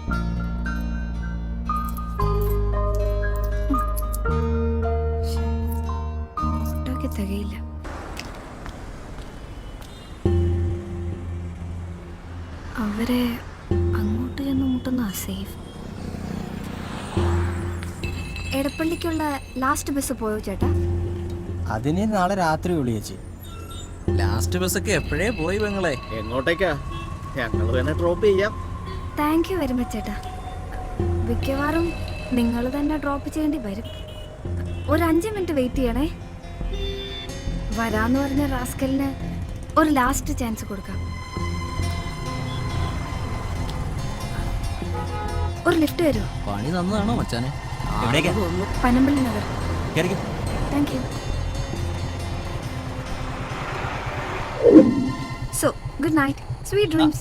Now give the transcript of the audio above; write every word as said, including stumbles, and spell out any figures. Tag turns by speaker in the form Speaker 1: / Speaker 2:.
Speaker 1: ഓട്ടോക്ക് തികയില്ല. അവരെ അങ്ങോട്ട് ചെന്ന് മുട്ടുന്ന സേഫ്. എടപ്പള്ളിക്കുള്ള ലാസ്റ്റ് ബസ് പോയോ ചേട്ടാ?
Speaker 2: അതിന് നാളെ രാത്രി വിളിയേച്ചി.
Speaker 3: ലാസ്റ്റ് ബസ്സൊക്കെ എപ്പോഴേ പോയി പെങ്ങളെ.
Speaker 4: എങ്ങോട്ടേക്കാ? ഞങ്ങൾ തന്നെ ഡ്രോപ്പ് ചെയ്യാം.
Speaker 1: താങ്ക് യു വെരി മച്ച് ചേട്ടാ. മിക്കവാറും നിങ്ങൾ തന്നെ ഡ്രോപ്പ് ചെയ്യേണ്ടി വരും. ഒരു അഞ്ച് മിനിറ്റ് വെയിറ്റ് ചെയ്യണേ. വരാന്ന് പറഞ്ഞ റാസ്കലിന് ഒരു ലാസ്റ്റ് ചാൻസ് കൊടുക്കാം. ഒരു ലിഫ്റ്റ് തരുമോ?
Speaker 3: പണി തന്നതാണോ മച്ചാനെ?
Speaker 2: എവിടേക്കാ?
Speaker 1: പനമ്പള്ളി നഗർ.
Speaker 2: കേറിക്കോ.
Speaker 1: Thank you. So good night, sweet dreams.